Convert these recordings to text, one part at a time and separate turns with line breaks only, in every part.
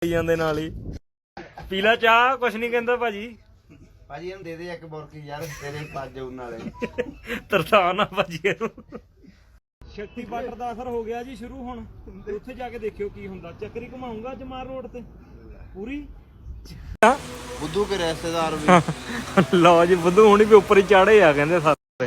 ਜਾਂਦੇ ਨਾਲ ਹੀ ਪੀਲਾ ਚਾਹ ਕੁਛ ਨਹੀਂ ਕਹਿੰਦਾ ਭਾਜੀ।
ਭਾਜੀ ਇਹਨੂੰ ਦੇ ਦੇ ਇੱਕ ਬੁਰਕੀ ਯਾਰ ਤੇਰੇ ਪੱਜ ਉਨ ਵਾਲੇ
ਤਰਸਾਨ ਆ ਭਾਜੀ ਇਹਨੂੰ। ਸ਼ਕਤੀ ਬਾਰਡਰ ਦਾ ਅਸਰ ਹੋ ਗਿਆ ਜੀ ਸ਼ੁਰੂ। ਹੁਣ ਉੱਥੇ ਜਾ ਕੇ ਦੇਖਿਓ ਕੀ ਹੁੰਦਾ। ਚੱਕਰੀ ਘੁਮਾਉਂਗਾ ਅੱਜ ਮਾਰ ਰੋਡ ਤੇ ਪੂਰੀ।
ਬੁੱਧੂ ਕੇ ਰਿਸ਼ਤੇਦਾਰ ਵੀ
ਲਓ ਜੀ ਬੁੱਧੂ ਹੁਣੀ ਵੀ ਉੱਪਰ ਹੀ ਚਾੜੇ ਆ ਕਹਿੰਦੇ ਸਾਰੇ।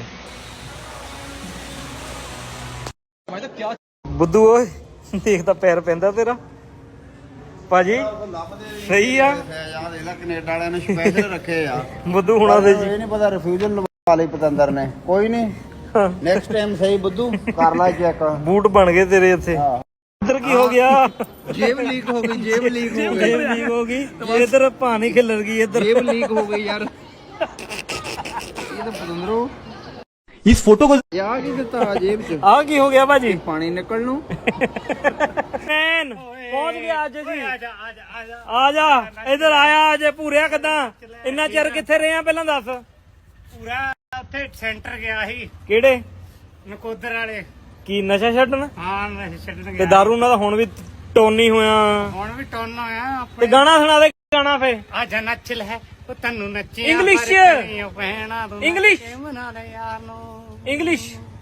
ਬੁੱਧੂ ਓਏ ਦੇਖਦਾ ਪੈਰ ਪੈਂਦਾ ਤੇਰਾ ਭਾਜੀ ਸਹੀ ਆ।
ਯਾਰ ਦੇਖ ਲੈ ਕੈਨੇਡਾ ਵਾਲਿਆਂ ਨੇ ਸਪੈਸ਼ਲ ਰੱਖੇ ਆ
ਬੁੱਧੂ ਹੁਣਾਂ ਦੇ ਜੀ।
ਇਹ ਨਹੀਂ ਪਤਾ ਰਿਫਿਊਜ਼ਲ ਲਵਾ ਲਈ ਪਤੰਦਰ ਨੇ। ਕੋਈ ਨਹੀਂ ਨੈਕਸਟ ਟਾਈਮ ਸਹੀ ਬੁੱਧੂ ਕਰ ਲੈ ਚੈੱਕ।
ਬੂਟ ਬਣ ਗਏ ਤੇਰੇ ਇੱਥੇ। ਇੱਧਰ ਕੀ ਹੋ ਗਿਆ?
ਜੇਬ ਲੀਕ ਹੋ ਗਈ। ਜੇਬ ਲੀਕ ਹੋ ਗਈ।
ਜੇਬ ਲੀਕ ਹੋ ਗਈ। ਇੱਧਰ ਪਾਣੀ ਖਿਲਰ ਗਈ। ਇੱਧਰ
ਜੇਬ ਲੀਕ ਹੋ ਗਈ ਯਾਰ। ਇਹ ਤਾਂ ਪਤੰਦਰੋ
ਇਸ ਫੋਟੋ ਕੋ
ਯਾਰ ਕੀ ਦਿੱਤਾ ਜੇਬ ਚ?
ਆ ਕੀ ਹੋ ਗਿਆ ਭਾਜੀ?
ਪਾਣੀ ਨਿਕਲ ਨੂੰ
ਮੈਨ ਪਹੁੰਚ ਗਿਆ ਅੱਜ ਜੀ। ਆ ਜਾ ਇੱਧਰ ਆਇਆ ਅਜੇ ਪੂਰਿਆ ਕਿੱਦਾਂ? ਇੰਨਾ ਚਿਰ ਕਿੱਥੇ ਰਹੇ ਆ ਪਹਿਲਾਂ ਦੱਸ।
ਪੂਰਾ ਉੱਥੇ ਸੈਂਟਰ ਗਿਆ ਸੀ
ਕਿਹੜੇ?
ਨਕੋਦਰ ਵਾਲੇ।
ਕੀ ਨਸ਼ਾ ਛੱਡਣ?
ਹਾਂ ਮੈਂ ਛੱਡਣ
ਤੇ
ਗਿਆ।
ਦਾਰੂ ਨਾਲ ਤਾਂ ਹੁਣ ਵੀ ਟੋਨੀ ਹੋਇਆ।
ਹੁਣ ਵੀ ਟੋਨ ਹੋਇਆ
ਤੇ
ਆਪਣੇ।
ਗਾਣਾ ਸੁਣਾ ਦੇ ਗਾਣਾ ਫੇ।
ਅੱਜ ਨੱਚ ਲੈ ਉਹ ਤੈਨੂੰ ਨੱਚੀ
ਇੰਗਲਿਸ਼ ਚ। ਇੰਗਲਿਸ਼।
ਮਨਾ ਲੈ ਯਾਰ ਨੂੰ
ਇੰਗਲਿਸ਼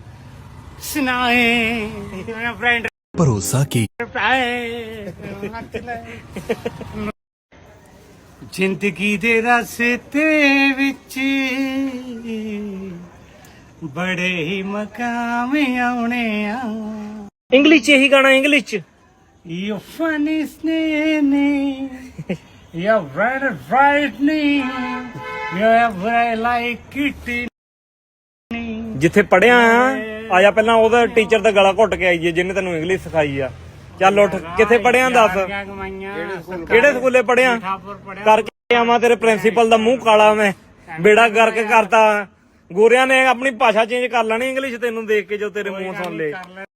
ਸੁਣਾਏ ਮੇਰਾ ਫਰੈਂਡ
ਭਰੋਸਾ ਕੀ
ਨੱਚ ਲੈ। ਜ਼ਿੰਦਗੀ ਦੇ ਰਸਤੇ ਵਿੱਚ ਬੜੇ ਹੀ ਮਕਾਮ ਆਉਣੇ ਆ।
ਇੰਗਲਿਸ਼ ਚ ਇਹੀ ਗਾਣਾ ਇੰਗਲਿਸ਼ ਚ।
You funny snake, you're very frightening, you're very like it.
ਜਿੱਥੇ ਪੜਿਆ ਆ ਜਾ ਪਹਿਲਾਂ ਉਹਦਾ ਟੀਚਰ ਦਾ ਗਲਾ ਘੁੱਟ ਕੇ ਆਈਏ ਜਿਹਨੇ ਤੈਨੂੰ ਇੰਗਲਿਸ਼ ਸਿਖਾਈ ਆ। ਚੱਲ ਉੱਠ ਕਿੱਥੇ ਪੜਿਆ ਦੱਸ। ਕਿਹੜੇ ਸਕੂਲੇ ਪੜਿਆ? ਕਰਕੇ ਆਵਾਂ ਤੇਰੇ ਪ੍ਰਿੰਸੀਪਲ ਦਾ ਮੂੰਹ ਕਾਲਾ ਮੈਂ ਬੇੜਾ ਗਰਕ ਕਰਤਾ। ਗੋਰਿਆਂ ਨੇ ਆਪਣੀ ਭਾਸ਼ਾ ਚੇਂਜ ਕਰ ਲੈਣੀ ਇੰਗਲਿਸ਼ ਤੈਨੂੰ ਦੇਖ ਕੇ ਜੋ ਤੇਰੇ ਮੂੰਹ ਸੁਣ ਲੇ।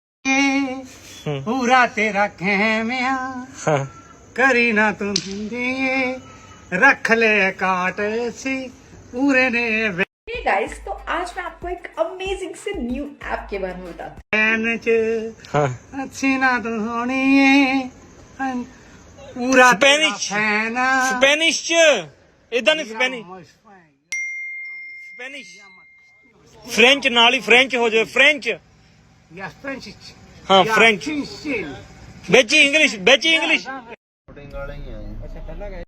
ਪੂਰਾ ਤੇਰਾ ਖੈਮਿਆ ਕਰੀ ਨਾ ਤੂੰ ਦਿੰਦੇ रख ले काट सी पूरे ने
Hey guys, तो आज मैं आपको एक अमेजिंग से न्यू ऐप के बारे में बताती
वैन च अच्छी ना तू होनी है पूरा
स्पेनिश
फैन
स्पेनिश च इधर नहीं स्पेनिश स्पेनिश फ्रेंच नाल ही फ्रेंच हो जाए फ्रेंच
या फ्रेंच
हाँ फ्रेंच बेची इंग्लिश
ਵਾਲੇ ਹੀ ਆ